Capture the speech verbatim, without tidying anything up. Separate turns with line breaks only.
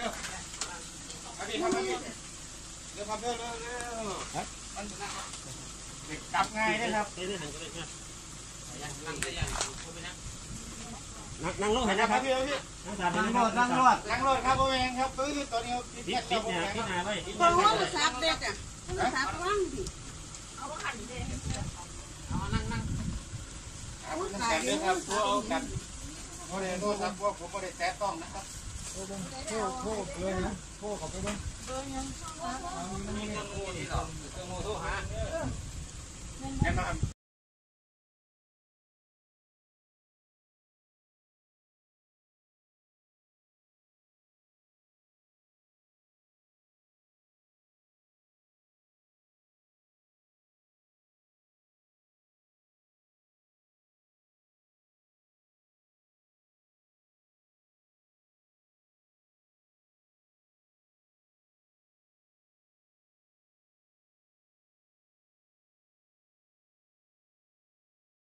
ร็วมาพี่ครับมาพี่เร็วครับเร็วเร็วเร็วมันเด็กจับง่ายนะครับนั่งนั่งลงเห็นนะครับพี่พี่นั่งรถนั่งรถนั่งรถครับพ่อแม่ครับปื้อตัวนี้ปิดปิดเนี่ยปิดหน้าไว้ปิดหน้าไว้โทรศัพท์เด็กอ่ะโทรศัพท์ว่างดิเอาไปขันเด็กเอานั่งนั่งเอาแขนด้วยครับตัวเอาแขนโมเดลโทรศัพท์พวกผมโมเดลแตะต้องนะครับโทรโทรเลยนะโทรเขาไปด้วยเบอร์ยังมีเครื่องมือที่เราเครื่องมือโทรหาแนะนำ